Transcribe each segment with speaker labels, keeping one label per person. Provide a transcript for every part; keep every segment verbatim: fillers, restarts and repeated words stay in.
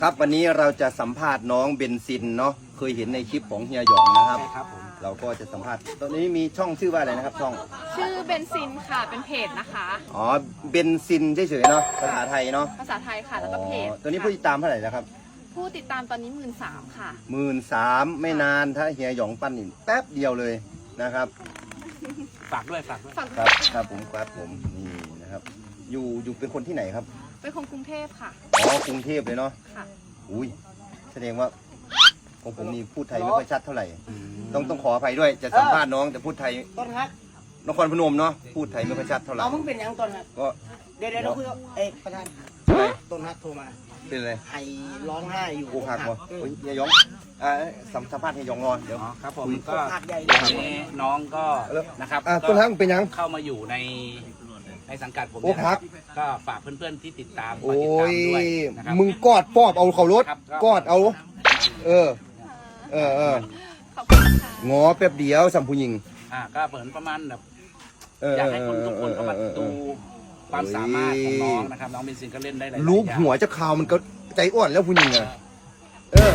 Speaker 1: ครับวันนี้เราจะสัมภาษณ์น้องเบนซินเนาะเคยเห็นในคลิปของเฮียหยองนะครับ
Speaker 2: ใช่ครับผม
Speaker 1: เราก็จะสัมภาษณ์ตอนนี้มีช่องชื่อว่าอะไรนะครับช่อง
Speaker 3: ชื่อเบนซินค่ะเป็นเพจนะคะ
Speaker 1: อ๋อเบนซินเฉยๆเนาะภาษาไทยเนาะ
Speaker 3: ภาษาไทยค่ะแล้วก็เพจ
Speaker 1: อ๋อตัวนี้ผู้ติดตามเท่าไหร่แล้วครับ
Speaker 3: ผู้ติดตามตอนนี้หมื่นสามค่ะ
Speaker 1: หมื่นสามไม่นานถ้าเฮียหยองปั้นนี่แป๊บเดียวเลยนะครับ
Speaker 2: ฝากด้วยฝากด้วย
Speaker 3: ฝั่ง
Speaker 1: ครับครับผมครับผมนี่นะครับอยู่อยู่เป็นคนที่ไหนครับ
Speaker 3: เป็นคนกรุงเทพค่ะ
Speaker 1: อ๋อกรุงเทพเลยเนาะ
Speaker 3: ค่ะ
Speaker 1: อุ้ยแสดงว่าของผมนี่พูดไทยไม่ค่อยชัดเท่าไหร่ต้องต้องขออภัยด้วยจะสัมภาษณ์น้องแต่พูดไทย
Speaker 4: ต้นฮัก
Speaker 1: นครพนมเนาะพูดไทยไม่ค่อยชัดเท่าไหร่
Speaker 4: เอามึงเป็นยังต้นฮัก
Speaker 1: ก็
Speaker 4: เดี๋ยวเดี๋ยวเราคุยกับเอกประธาน
Speaker 1: อะไร
Speaker 4: ต้นฮักโทรมา
Speaker 1: เป็นอะไร
Speaker 4: ไห้ร้องไห้อยู่
Speaker 1: โอ้หักวะ
Speaker 4: อืม
Speaker 1: เฮ้ยเฮียหยองอ่าสัมสัมภาษณ์เฮียหยองรอนเดี๋ยว
Speaker 2: อ๋อครับผม
Speaker 1: คุย
Speaker 2: ก็
Speaker 4: หักใหญ่
Speaker 2: ตอนนี้น้องก็นะครับ
Speaker 1: อ่าต้นฮักเป็นยัง
Speaker 2: เข้ามาอยู่ในในสังกัดผม
Speaker 1: โอ้
Speaker 2: เนี่ย
Speaker 1: ค
Speaker 2: นะ
Speaker 1: รั
Speaker 2: ครับ บก็ฝากเพื่อนๆที่ติดตามค
Speaker 1: โอ้
Speaker 2: อยติดตามด้วย
Speaker 1: ย
Speaker 2: นะครับ
Speaker 1: มึงกอดปอบเอาเขารถ
Speaker 2: ครับ
Speaker 1: กอดเอา เออ เออเออ
Speaker 3: ขอบคุณค่ะ
Speaker 1: งอแป๊บเดียวสัมผู้หญิง
Speaker 2: อ่าก็เหมือนประมาณแบบ
Speaker 1: เออ
Speaker 2: อยากให้คนทุกคนเข้ามา
Speaker 1: เออเอ
Speaker 2: ดู
Speaker 1: อเออ
Speaker 2: ความสามารถของน้องนะครับน้องเบนซินก็เล่นได้หลายๆ
Speaker 1: รูป
Speaker 2: อย่าง
Speaker 1: หัวจะขาวมันก็ใจอ่อนแล้วผู้หญิงอะเออ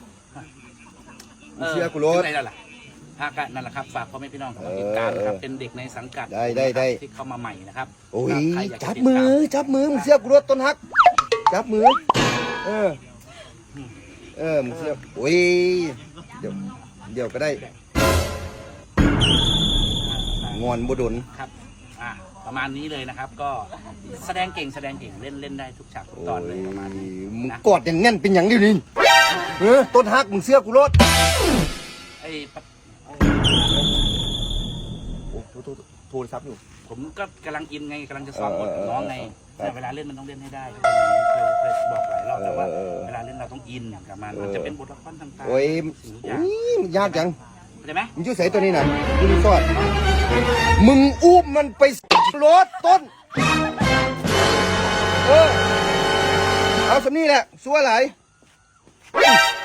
Speaker 1: เชื่อกูรถ
Speaker 2: ถึงไหนแล้วล่ะฮะก็นั่นแหละครับฝากพ่อแม่พี่น้องเข้ามาติดตามนะครับ
Speaker 1: เออ
Speaker 2: เป็นเด็กในสังกัด
Speaker 1: ได้ได้ได้
Speaker 2: ที่เข้ามาใหม่นะครับ
Speaker 1: โอ้ย
Speaker 2: ใครอยากจะ
Speaker 1: จับ
Speaker 2: ติด
Speaker 1: มื
Speaker 2: ตา
Speaker 1: อจับมือมึงเสียกูรถต้นฮัก จับมือ เออ เออมึงเสียโอ้ยเดี๋ยวเดี๋ยวก็ได้งอนบดน
Speaker 2: ครับอ่าประมาณนี้เลยนะครับ ก็แสดงเก่งแสดงเก่งเล่นเล่นได้ทุกฉากทุกตอนเลยประมาณนี้
Speaker 1: มึง
Speaker 2: นะ
Speaker 1: กอดอย่างงั้นเป็นอย่างนี้นี่เออต้นฮักมึงเสื้อกูรถ
Speaker 2: ไอ้ปะ
Speaker 1: โอ้โทรโทรโทรศัพท์อยู่
Speaker 2: ผมก็กำลังอินไงกำลังจะซ้อมบท
Speaker 1: เออเออ
Speaker 2: น้องไง
Speaker 1: เออ
Speaker 2: แต่เวลาเล่นมันต้องเล่นให้ได้เคยเคยบอกหลายรอบแล้วว่า
Speaker 1: เออเออ
Speaker 2: เวลาเล่นเราต้องอินกับมัน
Speaker 1: เออ
Speaker 2: มันจะเป็นบทละครต่างๆ
Speaker 1: โอ้ย
Speaker 2: สิ่งทุกอ
Speaker 1: โอ้
Speaker 2: ย่าง
Speaker 1: ยมันยากจัง
Speaker 2: เข้าใจไหม
Speaker 1: มึงช่วยใส่ตัวนี้หน่อยมึงดูสอดมึงอุ้มมันไปรถต้น เออ เอาสำนี่แหละสัวไหลาย